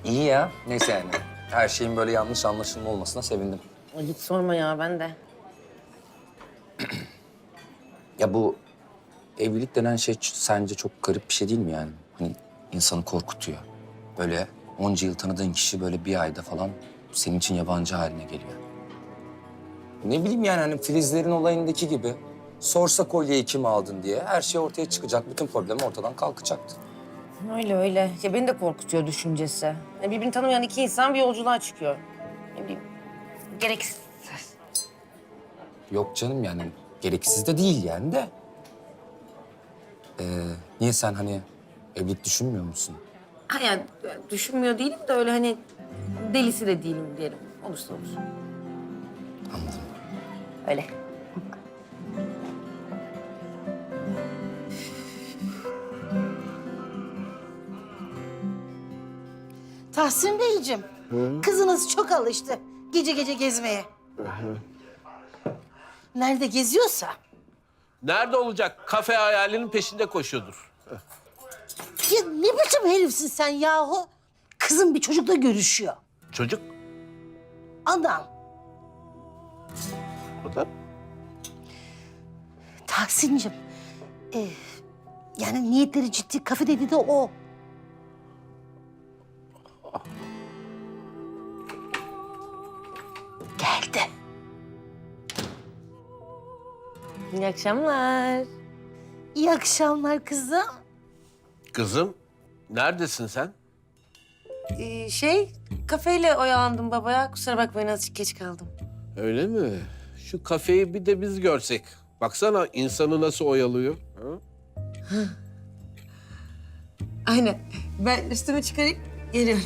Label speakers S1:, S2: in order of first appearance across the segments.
S1: İyi ya. Neyse yani. Her şeyin böyle yanlış anlaşılma olmasına sevindim.
S2: Ay, hiç sorma ya, ben de.
S1: Ya bu evlilik denen şey sence çok garip bir şey değil mi yani? Hani insanı korkutuyor. Böyle onca yıl tanıdığın kişi böyle bir ayda falan senin için yabancı haline geliyor. Ne bileyim yani hani Filizlerin olayındaki gibi. Sorsa kolyeyi kim aldın diye her şey ortaya çıkacak. Bütün problem ortadan kalkacaktı.
S2: Öyle öyle. Ya beni de korkutuyor düşüncesi. Ya birbirini tanımayan iki insan bir yolculuğa çıkıyor. Ne bileyim, gereksiz.
S1: Yok canım yani gereksiz de değil yani de. Niye sen hani evlilik düşünmüyor musun?
S2: Ha yani düşünmüyor değilim de öyle hani delisi de değilim diyelim. Olursa olur.
S1: Anladım.
S2: Öyle.
S3: Tahsin Beyciğim, kızınız çok alıştı gece gece gezmeye. Nerede geziyorsa.
S4: Nerede olacak? Kafe hayalinin peşinde koşuyordur.
S3: Ya ne biçim herifsin sen yahu? Kızım bir çocukla görüşüyor.
S4: Çocuk.
S3: Adam.
S4: O da.
S3: Tahsin'cim, yani niyetleri ciddi, kafe dedi de o. Geldi.
S2: İyi akşamlar.
S3: İyi akşamlar kızım.
S4: Kızım, neredesin sen?
S2: Kafeyle oyalandım babaya. Kusura bakmayın, azıcık geç kaldım.
S4: Öyle mi? Şu kafeyi bir de biz görsek. Baksana insanı nasıl oyalıyor. Ha?
S2: Aynen. Ben üstümü çıkarayım, geliyorum.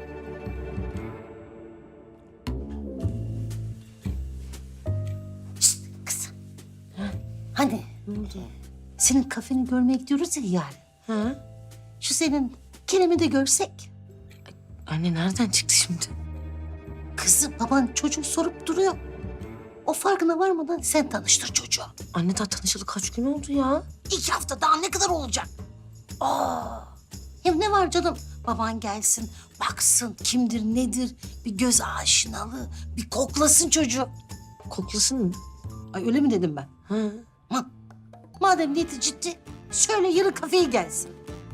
S3: Kızım. Hani? Ne oldu? Senin kafeni görmeye gidiyoruz ya yarın.
S2: Ha?
S3: Şu senin Kerem'i de görsek.
S2: Anne nereden çıktı şimdi?
S3: Kızım baban çocuk sorup duruyor. O farkına varmadan sen tanıştır çocuğu.
S2: Anne daha tanışalı kaç gün oldu ya?
S3: 2 hafta daha ne kadar olacak? Aa, hem ne var canım? Baban gelsin, baksın kimdir nedir, bir göz aşinalığı, bir koklasın çocuğu.
S2: Koklasın mı?
S3: Ay öyle mi dedim ben?
S2: Ha.
S3: Madem niyeti ciddi, söyle yarın kafeye gelsin.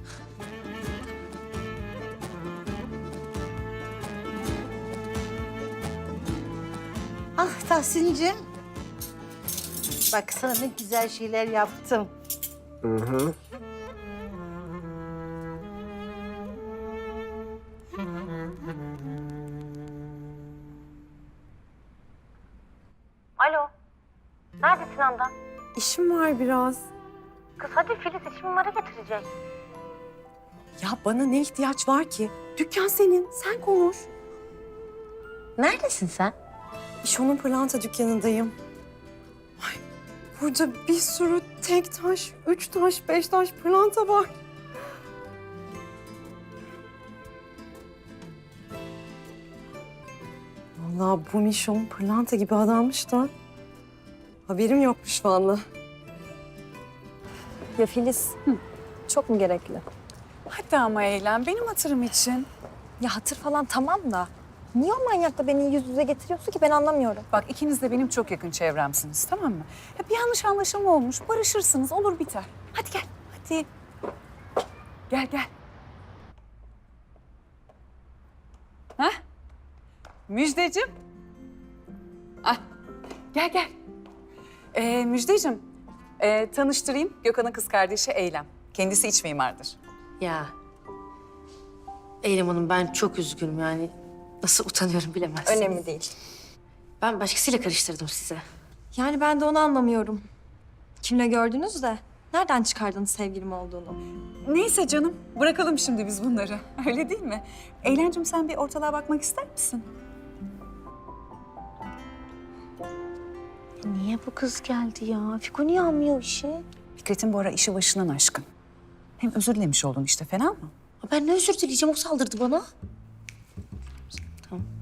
S3: Ah Tahsin'cim. Bak sana ne güzel şeyler yaptım.
S5: Alo. Neredesin Handan?
S6: İşim var biraz.
S5: Kız hadi Filiz işimi numara getirecek.
S6: Ya bana ne ihtiyaç var ki? Dükkan senin, sen konuş.
S5: Neredesin sen?
S6: İşon'un pırlanta dükkanındayım. Ay, burada bir sürü tek taş, 3 taş, 5 taş pırlanta var. Vallahi bu Mişon pırlanta gibi adammış da haberim yokmuş vallahi.
S7: Ya Filiz, çok mu gerekli?
S8: Hadi ama eğlen, benim hatırım için.
S7: Ya hatır falan tamam da niye o manyakla beni yüz yüze getiriyorsun ki ben anlamıyorum.
S8: Bak ikiniz de benim çok yakın çevremsiniz, tamam mı? Ya bir yanlış anlaşılma olmuş, barışırsınız, olur biter. Hadi gel, hadi. Gel, gel. Hah? Müjdeciğim. Ah, gel, gel. Müjdeciğim, tanıştırayım. Gökhan'ın kız kardeşi Eylem. Kendisi iç mimardır.
S2: Ya Eylem Hanım, ben çok üzgünüm yani. Nasıl utanıyorum bilemezsiniz.
S7: Önemli değil.
S2: Ben başkasıyla karıştırdım size.
S7: Yani ben de onu anlamıyorum. Kimle gördünüz de nereden çıkardınız sevgilim olduğunu?
S8: Neyse canım, bırakalım şimdi biz bunları. Öyle değil mi? Eylemciğim sen bir ortalığa bakmak ister misin?
S7: Niye bu kız geldi ya? Fiko niye almıyor işi?
S8: Fikret'in bu ara işi başından aşkın. Hem özür dilemiş oldun işte, fena mı?
S2: Ben ne özür dileyeceğim, o saldırdı bana. Tamam.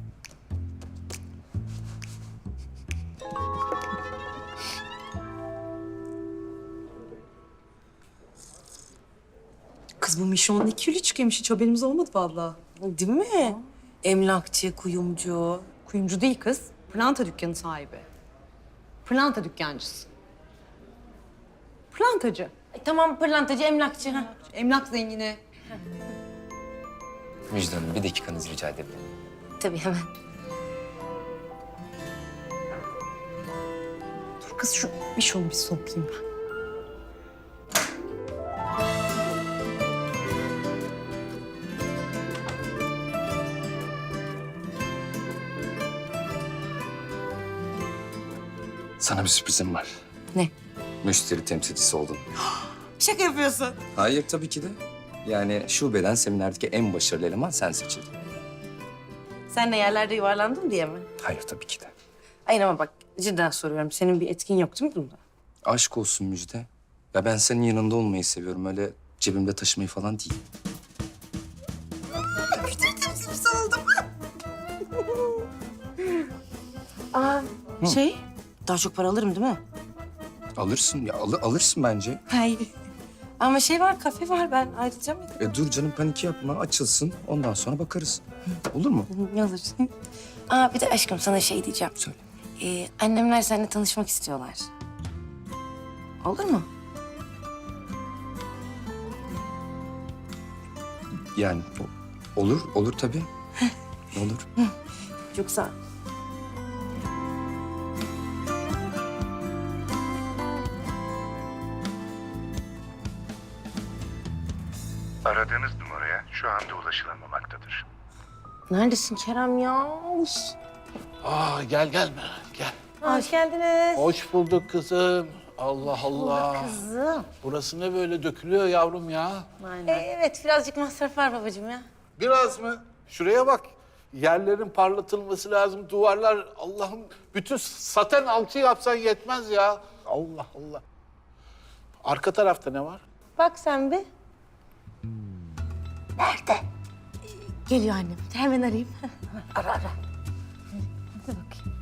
S6: Kız bu Mişon'un 2 çıkıyormuş, hiç haberimiz olmadı vallahi.
S2: Değil mi? Emlakçı, kuyumcu.
S6: Kuyumcu değil kız. Pırlanta dükkanı sahibi. Pırlanta dükkancısı. Pırlantacı.
S2: Tamam, pırlantacı, emlakçı. Ha.
S6: Emlak zengini.
S1: Müjde Hanım, bir dakikanızı rica edebilirim.
S2: Tabii hemen.
S6: Dur kız şu bir şunu bir sokayım ben.
S1: Sana bir sürprizim var.
S2: Ne?
S1: Müşteri temsilcisi oldun.
S2: Şaka yapıyorsun.
S1: Hayır, tabii ki de. Yani şubeden seminerdeki en başarılı eleman sen seçildin.
S2: Sen de yerlerde yuvarlandın diye mi?
S1: Hayır, tabii ki de.
S2: Hayır ama bak cidden soruyorum. Senin bir etkin yok değil mi bunda?
S1: Aşk olsun Müjde. Ya ben senin yanında olmayı seviyorum. Öyle cebimde taşımayı falan değil.
S2: Aa, daha çok para alırım değil mi?
S1: Alırsın ya, alırsın bence.
S2: Hayır. Ama var, kafe var. Ben ayrıca mı?
S1: Dur canım, panik yapma. Açılsın. Ondan sonra bakarız. Olur mu?
S2: Ne olur. Aa, bir de aşkım sana şey diyeceğim.
S1: Söyle.
S2: Annemler seninle tanışmak istiyorlar. Olur mu?
S1: Yani olur tabii. Olur.
S2: Çok sağ ol.
S9: Aradığınız numaraya şu anda ulaşılamamaktadır.
S2: Neredesin Kerem ya?
S4: Gel gel.
S2: Hoş geldiniz.
S4: Hoş bulduk kızım. Allah Allah.
S2: Kızım.
S4: Burası ne böyle dökülüyor yavrum ya?
S2: Evet, birazcık masraf var babacığım ya.
S4: Biraz mı? Şuraya bak. Yerlerin parlatılması lazım. Duvarlar Allah'ım bütün saten alçı yapsan yetmez ya. Allah Allah. Arka tarafta ne var?
S2: Bak sen bir. Nerede? Geliyor annem. Hemen arayayım. Ara. Hadi bakayım.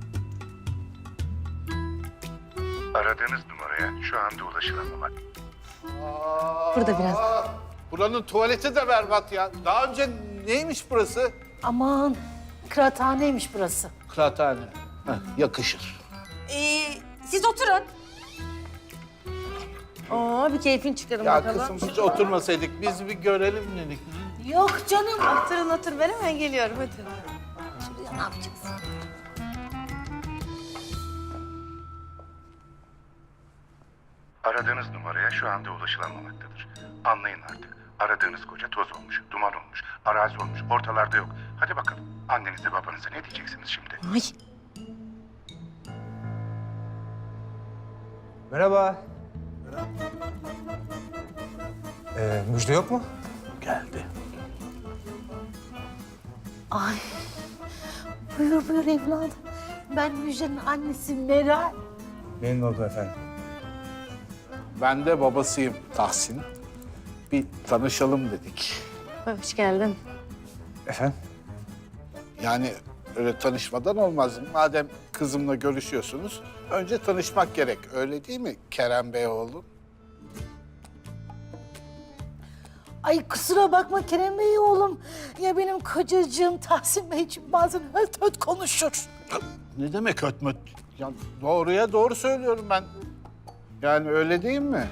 S9: Aradığınız numaraya şu anda ulaşılamamak.
S2: Burada biraz.
S4: Buranın tuvaleti de berbat ya. Daha önce neymiş burası?
S3: Aman kıraathaneymiş burası.
S4: Kıraathane. Yakışır.
S2: Siz oturun. Bir keyfin çıkarın
S4: Ya
S2: bakalım.
S4: kızım hiç oturmasaydık biz bir görelim dedik.
S3: Yok canım.
S2: Otur. Ben hemen geliyorum. Hadi.
S3: Şuraya ne yapacağız?
S9: Aradığınız numaraya şu anda ulaşılamamaktadır. Anlayın artık. Aradığınız koca toz olmuş, duman olmuş, arazi olmuş, ortalarda yok. Hadi bakalım. Annenize babanıza ne diyeceksiniz şimdi?
S2: Ay.
S10: Merhaba. Müjde yok mu?
S4: Geldi.
S3: Ay. Buyur evladım. Ben Müjde'nin annesi Meral.
S10: Memnun oldum efendim.
S4: Ben de babasıyım Tahsin. Bir tanışalım dedik.
S2: Hoş geldin.
S10: Efendim?
S4: Yani öyle tanışmadan olmaz. Madem kızımla görüşüyorsunuz, önce tanışmak gerek. Öyle değil mi Kerem Bey oğlum?
S3: Ay kusura bakma Kerem Bey oğlum. Ya benim kocacığım Tahsin Beyciğim bazen höt höt konuşur.
S4: Ne demek ötmöt? Ya doğruya doğru söylüyorum ben. Yani öyle değil mi?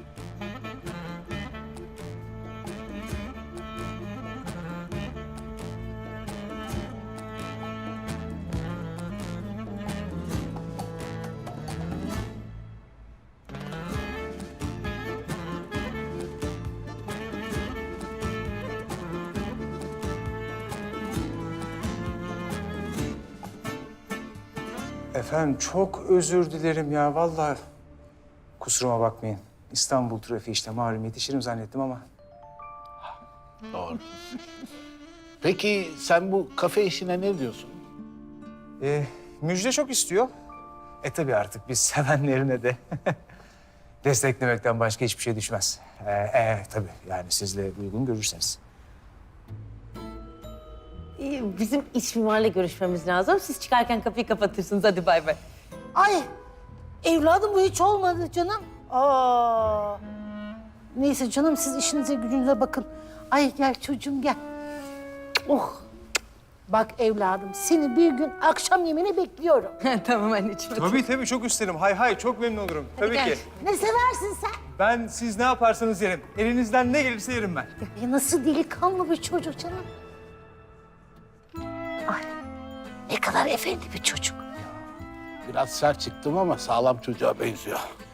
S10: Efendim çok özür dilerim ya vallahi. Kusuruma bakmayın. İstanbul trafiği işte malum yetişirim zannettim ama.
S4: Doğru. Peki sen bu kafe işine ne diyorsun?
S10: Müjde çok istiyor. Tabii artık biz sevenlerine de desteklemekten başka hiçbir şey düşmez. Tabii yani siz de uygun görürseniz.
S2: Bizim iç mimarla görüşmemiz lazım. Siz çıkarken kapıyı kapatırsınız. Hadi bay bay.
S3: Ay evladım bu hiç olmadı canım. Neyse canım siz işinize gücünüze bakın. Ay gel çocuğum gel. Oh. Bak evladım seni bir gün akşam yemeğine bekliyorum.
S2: Tamam anneciğim.
S10: Tabii çok isterim. Hay çok memnun olurum. Tabii ki.
S3: Ne seversin sen?
S10: Ben siz ne yaparsanız yerim. Elinizden ne gelirse yerim ben.
S3: Ya nasıl delikanlı bir çocuk canım. Ay ne kadar efendi bir çocuk.
S4: Biraz sert çıktım ama sağlam çocuğa benziyor.